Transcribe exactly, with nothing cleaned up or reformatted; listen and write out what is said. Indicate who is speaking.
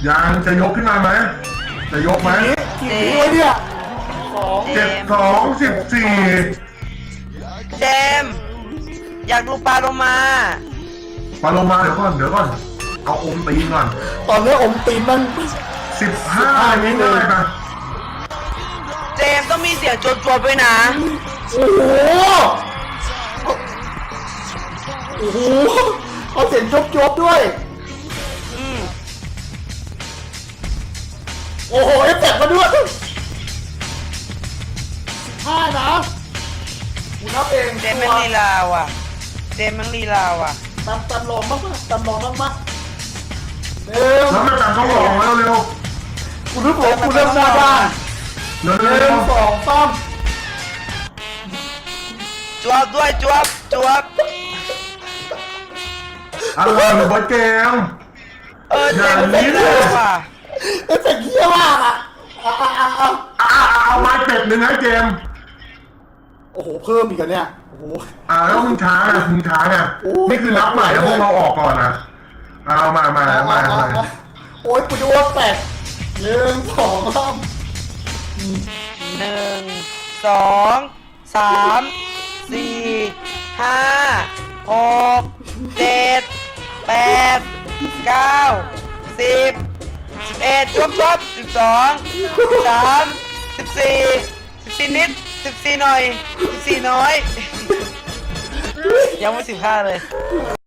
Speaker 1: ยังจะยกขึ้นมาไหมจะยกไหม
Speaker 2: กี่นิ้วเนี่ยสอง
Speaker 1: เจ็ดสองสิบสี่
Speaker 3: เจมส์อยากดูปลาโลมา
Speaker 1: ปาโลมาเดี๋ยวก่อนเดี๋ยวก่อนเอาอมตีนก่อน
Speaker 2: ตอนนี้อมตีนมัน
Speaker 1: สิบห้านี้ได้ไหม
Speaker 3: เจมส์ต้องมีเสียงจวบๆด้วยนะ
Speaker 2: โอ้โหโอ้โหเอาเสียงจบๆด้วย
Speaker 3: อืม
Speaker 2: โอ้โหเอฟเฟกต์มาด้วยห้านะกูนับเอง
Speaker 3: เจมส์แม่งลีลาว่ะเจมส์แม่งลีลาว่ะ
Speaker 2: ตามตามลองบ้างปะตามลองบ้างปะเร็ว
Speaker 1: แล้วไม่ตัดต้องลองแล้วเร็ว
Speaker 2: กูรู้ผมกูเริ่มหน้าบ้าน
Speaker 1: เร็ว
Speaker 2: ห
Speaker 1: เร็
Speaker 2: นึ่
Speaker 1: ว
Speaker 2: งสองสาม
Speaker 3: จวบด้วยจวบจวบ
Speaker 1: อะไรหรือบอลเกม
Speaker 3: เออเจมส์ลีลาว่ะ
Speaker 2: เอฟเฟกต์เหี้ยมากอ่ะอ่ะอ่ะอ่ะอ่ะ
Speaker 1: อ่าเอาไม้เป็ดหนึ่งให้เกม
Speaker 2: โอ้โหเพิ่มอีกแล้วเนี่ยโอ้โห
Speaker 1: อ่าแล้วมึงช้าไงมึงช้าไงนี่คือนับใหม่แล้วพวกเราออกก่อนนะเอามามามามา
Speaker 2: โอ้ยกูจะอ้วกแตกหนึ่งสองสาม
Speaker 3: หนึ่งสองสามสี่ห้าหกเจ็ดแปดเก้าสิบสิบเอ็ดจวบจวบสิบสองสิบสามสิบสี่สิบสี่นิดสิบสี่หน่อยสิบสี่น้อย ยังไม่สิบห้าเลย